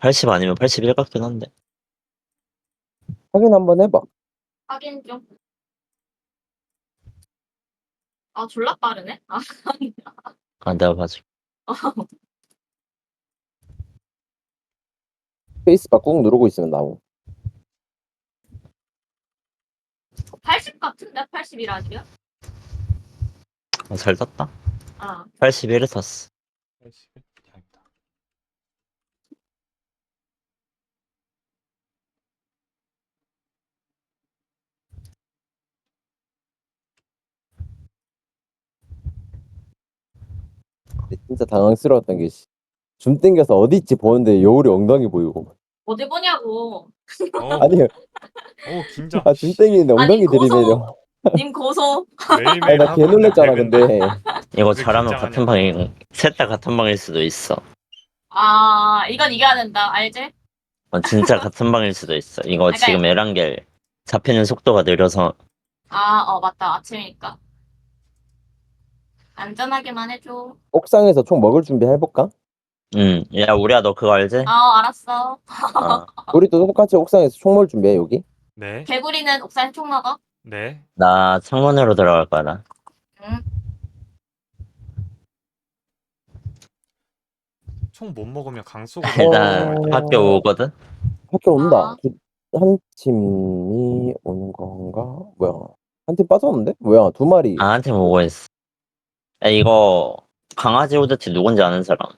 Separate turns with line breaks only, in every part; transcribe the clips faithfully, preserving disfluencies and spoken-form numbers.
팔십 아니면 팔십일 같긴 한데.
확인 한번 해봐.
확인 좀. 아 졸라 빠르네. 아
아, 내가 봐줄게.
스페이스바 꾹 누르고 있으면 나오.
팔십 같은데? 팔십일 아니야?
아, 잘 땄다.
아
팔십일에 탔어.
팔십일? 다행이다.
근데 진짜 당황스러웠던 게 씨, 줌 땡겨서 어디 있지 보는데 여울이 엉덩이 보이고.
어디 보냐고.
어,
아니,
어 긴장.
아, 줌 땡기는데
아니,
엉덩이
고소.
들이대려.
님 고소.
매일매일
아니, 나 개
하고
놀랬잖아,
있는데
근데.
맨날.
이거
왜
잘하면
긴장하냐고.
같은 방에, 셋 다 같은 방일 수도 있어.
아 이건 이겨야 된다. 알지?
어, 진짜 같은 방일 수도 있어. 이거
그러니까-
지금 에란겔 잡히는 속도가 느려서.
아 어 맞다. 아침이니까. 안전하게만 해줘.
옥상에서 총 먹을 준비 해볼까?
응. 야, 우리야, 너 그거 알지?
아 알았어.
어.
우리 또 똑같이 옥상에서 총 먹을 준비해, 여기.
네,
개구리는 옥상에 총 먹어.
네.
나 창문으로 들어갈 거라.
응.
총 못 먹으면 강속으로.
일단
어.
학교 오거든?
학교 온다.
아.
두- 한 팀이 오는 건가? 뭐야? 한 팀 빠졌는데? 뭐야? 두 마리.
나한테 오고 있어. 야, 이거 강아지 후드티 누군지 아는 사람?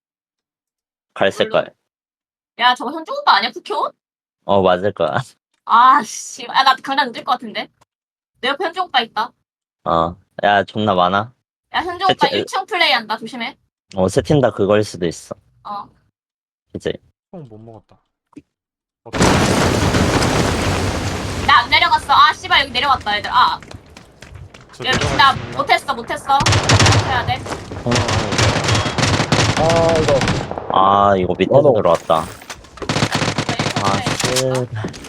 갈색깔.
야 저거 현중 오빠 아니야? 국효?
어, 맞을 거야.
아씨. 아나 강남 늦을 것 같은데. 내 옆에 현중 오빠 있다.
어. 야, 존나 많아.
야 현중 오빠
세팅-
일 층 플레이한다. 조심해.
어, 세 팀 다 그거일 수도 있어.
어.
이제.
총 못 먹었다. 어,
나 안 내려갔어. 아 씨발 여기 내려왔다 얘들. 아
저
여기
내려가
나
있습니다.
못했어 못했어. 해야 돼.
아, 이거.
아, 이거 밑에서
나도.
들어왔다. 아,
아,
쓰.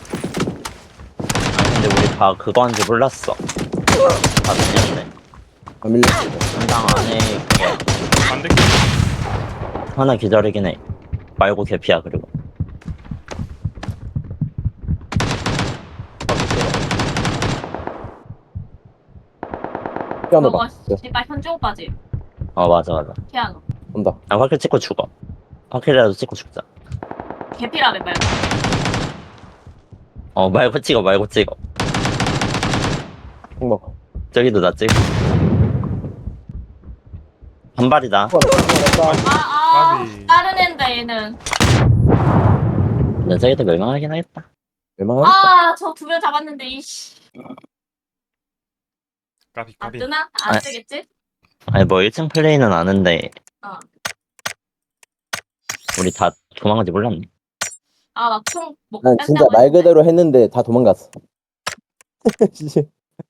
아, 근데 우리 다 그거 한지 몰랐어. 다 밀렸네.
안 밀렸어.
한당 안에 그거
반대
하나 기다리긴 해. 말고 개피야, 그리고.
피아노
저거
봐.
씨발 현중 오빠지.
어, 맞아, 맞아.
피아노.
온다.
아, 화킬 찍고 죽어. 화킬이라도 찍고 죽자.
개피라며 말고.
어, 말고 찍어, 말고 찍어.
총 먹어.
저기도 나 찍어. 한 발이다.
아아
까비.
다른 앤데 얘는.
근데 저기도 멸망하긴 하겠다.
웬만하겠다.
아 저 두 명 잡았는데 이씨.
까비
안
까비.
뜨나? 안
아.
뜨겠지?
아니, 뭐 일 층 플레이는 아는데.
어.
우리 다 도망간지 몰랐네.
아 막 총 먹고
난 진짜 말 그대로 했는데 다 도망갔어. 진짜.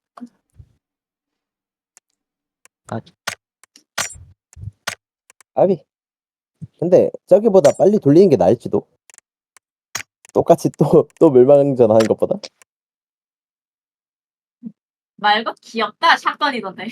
아비. 근데 저기보다 빨리 돌리는 게 나을지도. 똑같이 또 또 멸망전 하는 것보다.
말고 귀엽다 샷건이던데.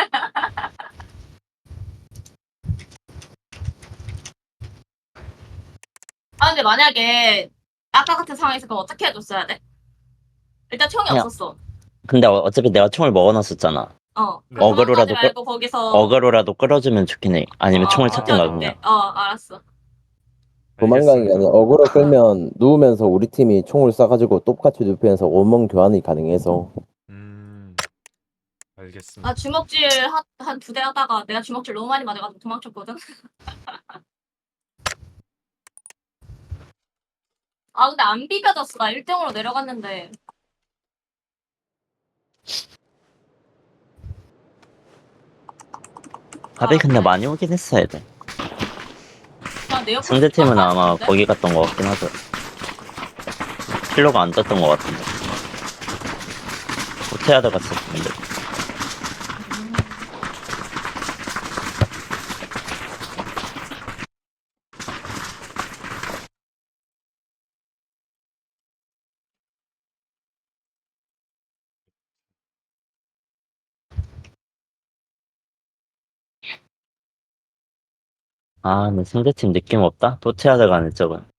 아 근데 만약에 아까 같은 상황에서 그럼 어떻게 해줬어야 돼? 일단 총이
그냥-
없었어.
근데 어- 어차피 내가 총을 먹어놨었잖아.
어.
네.
그럼
어그로라도
도망가지 말고 거기서
어그로라도 끌어주면 좋긴 해. 아니면
어,
총을
어,
찾든가
버텨줄게.
그냥.
어 알았어.
도망가는 게 아니라
알겠습니다.
어그로 끌면 누우면서 우리 팀이 총을 쏴가지고 똑같이 눕히면서 원멍 교환이 가능해서.
음. 알겠습니다.
나 주먹질 한 두 대 하다가 내가 주먹질 너무 많이 맞아가지고 도망쳤거든. 아 근데 안 비벼졌어. 나 일 등으로 내려갔는데.
밥이
아,
근데
그래?
많이 오긴 했어야 돼.
나내 옆에
상대팀은
깜빡
아마
같은데?
거기 갔던 것 같긴 하죠. 킬로가 안 떴던 것 같은데. 호테아드 갔었는데. 아, 근데 상대팀 느낌 없다? 호테아드 가는 쪽은.